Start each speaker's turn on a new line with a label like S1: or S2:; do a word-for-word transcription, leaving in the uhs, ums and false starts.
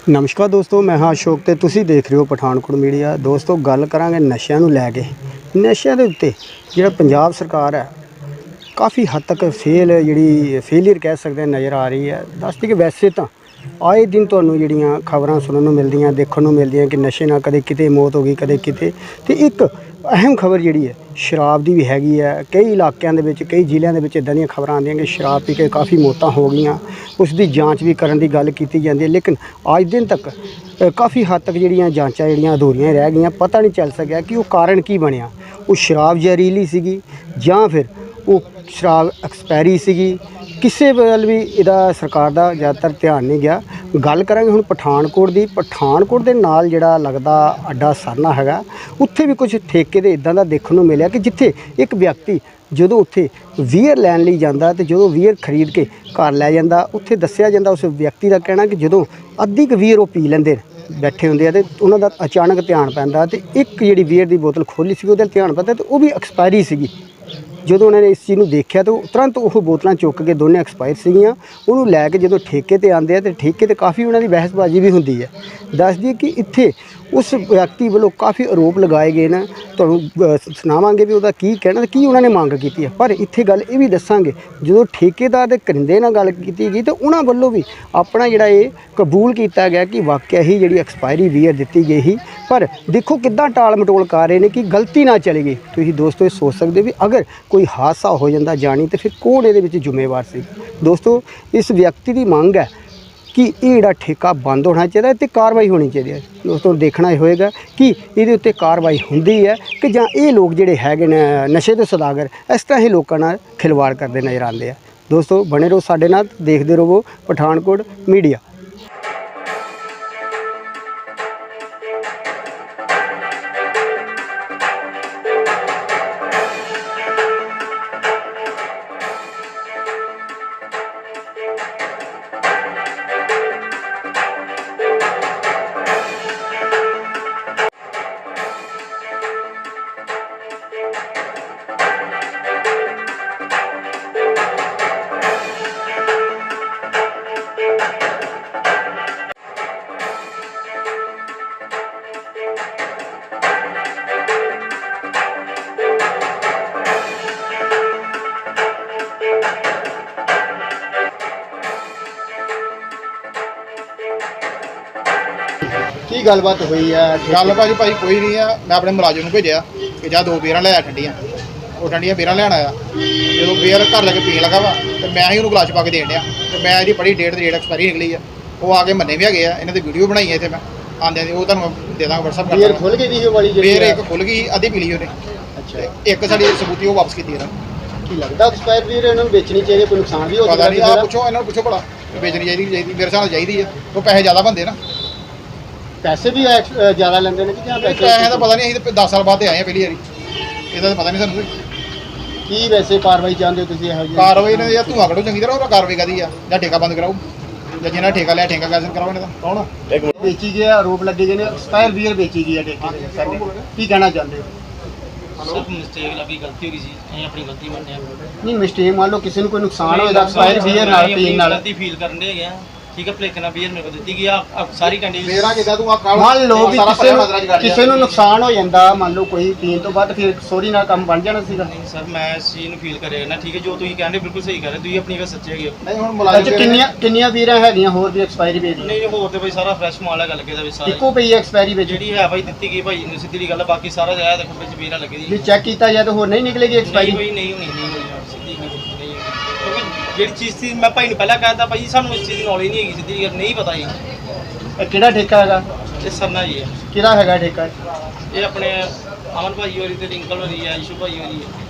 S1: नमस्कार दोस्तों, मैं हाँ अशोक ते तुसी देख रहे हो पठानकोट मीडिया। दोस्तों गल करांगे नशे नूं लै के। नशे दे उत्ते जिहड़ा पंजाब सरकार है काफ़ी हद तक फेल जिहड़ी फेलियर कह सकते हैं नज़र आ रही है। दसदी कि वैसे तो आए दिन तुहानूं जिहड़ियां खबरां सुनने नूं मिलदियां देखण नूं मिलदियां कि नशे नाल कदे किते मौत हो गई कदे किते। ते एक अहम खबर जिहड़ी है शराब दी भी हैगी है। कई इलाकों के कई जिलों के इदां दी खबर आंदियां कि शराब पी के काफ़ी मौतां हो गईयां। उसकी जांच भी करन दी गल कीती जांदी है, लेकिन अज दिन तक काफ़ी हद तक जिहड़ियां जांचां जिहड़ियां अधूरियां रह गईयां। पता नहीं चल सकिया कि वो कारण की बनिया। वो शराब जहरीली सीगी जां फिर वो शराब एक्सपायरी सीगी। किसी वल भी इहदा सरकार दा ज़्यादातर ध्यान नहीं गया। गल करांगे हुण पठानकोट दी। पठानकोट दे नाल जिहड़ा लगदा अड्डा सरना हैगा, उत्थे भी कुछ ठेके दे इदां दा देखण नूं मिलिया कि जिथे एक व्यक्ति ਜਦੋਂ ਉੱਥੇ ਵੀਅਰ ਲੈਣ ਲਈ ਜਾਂਦਾ ਤੇ ਜਦੋਂ ਵੀਅਰ ਖਰੀਦ ਕੇ ਘਰ ਲੈ ਜਾਂਦਾ, ਉੱਥੇ ਦੱਸਿਆ ਜਾਂਦਾ ਉਸ ਵਿਅਕਤੀ ਦਾ ਕਹਿਣਾ ਕਿ ਜਦੋਂ ਅੱਧੀ ਕੁ ਵੀਅਰ ਉਹ ਪੀ ਲੈਂਦੇ ਬੈਠੇ ਹੁੰਦੇ ਆ ਤੇ ਉਹਨਾਂ ਦਾ ਅਚਾਨਕ ਧਿਆਨ ਪੈਂਦਾ ਤੇ ਇੱਕ ਜਿਹੜੀ ਵੀਅਰ ਦੀ ਬੋਤਲ ਖੋਲ੍ਹੀ ਸੀ ਉਹਦੇ ਧਿਆਨ ਪੈਂਦਾ ਤੇ ਉਹ ਵੀ ਐਕਸਪਾਇਰੀ ਸੀਗੀ। ਜਦੋਂ ਉਹਨਾਂ ਨੇ ਇਸ ਚੀਜ਼ ਨੂੰ ਦੇਖਿਆ ਤਾਂ ਤੁਰੰਤ ਉਹ ਬੋਤਲਾਂ ਚੁੱਕ ਕੇ ਦੋਨੇ ਐਕਸਪਾਇਰ ਸੀਗੀਆਂ। ਉਹਨੂੰ ਲੈ ਕੇ ਜਦੋਂ ਠੇਕੇ ਤੇ ਆਉਂਦੇ ਆ ਤੇ ਠੇਕੇ ਤੇ ਕਾਫੀ ਉਹਨਾਂ ਦੀ ਬਹਿਸਬਾਜ਼ੀ ਵੀ ਹੁੰਦੀ ਹੈ। ਦੱਸ ਦਈਏ ਕਿ ਇੱਥੇ उस व्यक्ति वालों काफ़ी आरोप लगाए गए हैं। तो सुनावांगे भी उसका की कहना की उन्होंने मंग की है। पर इत्थे गल ये भी दसांगे जो ठेकेदार के करिंदे नाल गल की गई तो उन्होंने वालों भी अपना जिहड़ा ये कबूल किया गया कि वाकई ही जिहड़ी एक्सपायरी बीयर दी गई ही। पर देखो किद्दां टाल मटोल कर रहे हैं कि गलती ना चली गई। तुसीं दोस्तों ये सोच सकते भी अगर कोई हादसा हो जाता जानी तो फिर कौन ये जिम्मेवार सी। दोस्तों इस व्यक्ति की मंग है कि ये जिहड़ा ठेका बंद होना चाहिए तो कार्रवाई होनी चाहिए। दोस्तों देखना होएगा कि ये उत्ते कार्रवाई होंदी है कि जां ये लोग जिहड़े हैगे ने नशे के सौदागर इस तरह ही लोगों नाल खिलवाड़ करते नज़र आते हैं। दोस्तों बने रहो साडे नाल, देखते रहो पठानकोट मीडिया। की गलबात हुई है?
S2: गल भाजी भाई कोई नहीं है। मैं अपने मुलाजिम भेजा कि जा दो बेर लिया ठंडियाँ। वो ठंडियाँ बेर लेना आया जो बेर घर लगे पीन लगा वा तो मैं ही उन्होंने गिलास पा के देन दिया। तो मैं यदि बड़ी डेट डेट एक्सपायरी निकली है। वो आके मन्ने भी है इन्होंने वीडियो बनाई है। इतने मैं आंदे वो तुम दे दाँगा व्हाट्सएप कर।
S1: बेर खुल गई वाली
S2: बेर एक खुल गई अद्धी पी ली उन्हें। अच्छा एक साड़ी सबूती वो वापस की थी
S1: की लगता एक्सपायर भी इन्होंने बेचनी चाहिए, कोई नुकसान भी हो
S2: पता नहीं। आप पूछो इन्होंने पूछो भला बेचनी चाहिए चाहिए मेरे हिसाब चाहिए है। तो पैसे ज़्यादा बनते ना,
S1: पैसे भी ज़्यादा लेंगे ने कि
S2: पैसे का पता नहीं। दस साल बाद आए हैं पहली बारी, ਇਹਦਾ ਤਾਂ ਪਤਾ ਨਹੀਂ ਸਾਨੂੰ
S1: ਕੀ ਵੈਸੇ ਕਾਰਵਾਈ ਚਾਹੁੰਦੇ ਹੋ ਤੁਸੀਂ? ਇਹੋ ਜਿਹੀ
S2: ਕਾਰਵਾਈ ਨੇ ਜਾਂ ਧੂਆ ਕੱਢੋ ਚੰਗੀ ਤਰ੍ਹਾਂ। ਉਹ ਕਾਰਵਾਈ ਕਰਦੀ ਆ ਜਾਂ ਠੇਕਾ ਬੰਦ ਕਰਾਓ ਜਾਂ ਜਿਹਨਾਂ ਠੇਕਾ ਲਿਆ ਠੇਕਾ ਕੈਂਸਲ ਕਰਾਓ। ਇਹਨਾਂ ਦਾ ਕੌਣ
S1: ਵੇਚੀ ਗਿਆ ਆਰੋਪ ਲੱਗੇ ਗਏ ਨੇ ਐਕਸਪਾਇਰ ਬੀਅਰ ਵੇਚੀ ਗਈ ਹੈ ਠੇਕੇ ਸਾਡੇ। ਕੀ ਕਹਿਣਾ ਚਾਹੁੰਦੇ ਹੋ?
S3: सब मिस्टेक लगी, गलती हो गई सी, ਅਸੀਂ ਆਪਣੀ ਗਲਤੀ ਮੰਨਿਆ।
S1: ਨਹੀਂ ਮਿਸਟੇਕ ਮੰਨ ਲਓ ਕਿਸੇ ਨੂੰ ਕੋਈ ਨੁਕਸਾਨ ਹੋਇਆ ਐਕਸਪਾਇਰ ਬੀਅਰ ਨਾਲ ਪੀਣ ਨਾਲ
S3: ਗਲਤੀ ਫੀਲ ਕਰਨ ਦੇ ਗਿਆ। ठीक है प्लेकना बीयर मेरे को ਦਿੱਤੀ ਗਈ ਆ ਸਾਰੀ ਕੰਡੀਸ਼ਨ
S2: ਮੇਰਾ ਕਿਦਾਂ ਤੂੰ ਆ ਕਾਲ
S1: ਮੰਨ ਲਓ ਵੀ ਕਿਸੇ ਨੂੰ ਕਿਸੇ ਨੂੰ ਨੁਕਸਾਨ ਹੋ ਜਾਂਦਾ, ਮੰਨ ਲਓ ਕੋਈ ਪੀਣ ਤੋਂ ਬਾਅਦ ਫਿਰ ਸੋਰੀ ਨਾਲ ਕੰਮ ਬਣ ਜਾਣਾ ਸੀਗਾ।
S3: ਨਹੀਂ ਸਰ ਮੈਂ ਇਸ ਚੀਜ਼ ਨੂੰ ਫੀਲ ਕਰਿਆ ਨਾ। ਠੀਕ ਹੈ ਜੋ ਤੁਸੀਂ ਕਹਿੰਦੇ ਬਿਲਕੁਲ ਸਹੀ ਕਰ ਰਹੇ ਤੁਸੀਂ ਆਪਣੀ ਗੱਲ ਸੱਚੇ ਹੈਗੇ।
S2: ਨਹੀਂ ਹੁਣ ਮੁਲਾਜ਼ਮ
S1: ਕਿੰਨੀਆਂ ਕਿੰਨੀਆਂ ਬੀਅਰਾਂ ਹੈਗੀਆਂ ਹੋਰ ਵੀ ਐਕਸਪਾਇਰੀ ਵੇਚ?
S3: ਨਹੀਂ ਹੋਰ ਤੇ ਭਾਈ ਸਾਰਾ ਫਰੈਸ਼ ਮਾਲ ਹੈ। ਗੱਲ ਕਿਹਦਾ ਵੀ ਸਾਰਾ
S1: ਇੱਕੋ ਪਈ ਐਕਸਪਾਇਰੀ ਵਿੱਚ
S3: ਜਿਹੜੀ ਹੈ ਭਾਈ ਦਿੱਤੀ ਗਈ ਭਾਈ ਸਿੱਧੀ ਦੀ ਗੱਲ ਹੈ। ਬਾਕੀ ਸਾਰਾ ਜਾਇਆ ਦੇਖੋ ਵਿੱਚ ਬੀਅਰਾਂ ਲੱਗੀ ਦੀ
S1: ਵੀ ਚੈੱਕ ਕੀਤਾ ਜਾਏ ਤਾਂ ਹੋਰ ਨਹੀਂ ਨਿਕਲੇਗੀ ਐਕਸਪਾਇਰੀ?
S3: ਨਹੀਂ ਨਹੀਂ ਹੋਣੀ ਨਹੀਂ ਹੋਣੀ ਸਿੱਧੀ ਨਹੀਂ ਹੋਣੀ। ਜਿਹੜੀ ਚੀਜ਼ ਸੀ ਮੈਂ ਭਾਈ ਨੂੰ ਪਹਿਲਾਂ ਕਹਿਤਾ ਭਾਈ ਸਾਨੂੰ ਇਸ ਚੀਜ਼ ਦੀ ਨੌਲੇਜ ਨਹੀਂ ਹੈਗੀ। ਸਿੱਧੀ ਗੱਲ ਨਹੀਂ ਪਤਾ ਜੀ।
S1: ਇਹ ਕਿਹੜਾ ਠੇਕਾ ਹੈਗਾ?
S3: ਇਹ ਸਰਨਾ ਜੀ ਹੈ।
S1: ਕਿਹੜਾ ਹੈਗਾ ਠੇਕਾ?
S3: ਇਹ ਆਪਣੇ ਅਮਨ ਭਾਈ ਹੋਰੀ ਤੇ ਰਿੰਕਲ ਹੋਰੀ ਹੈ, ਇਸ਼ੂ ਭਾਈ ਹੋਰੀ ਹੈ।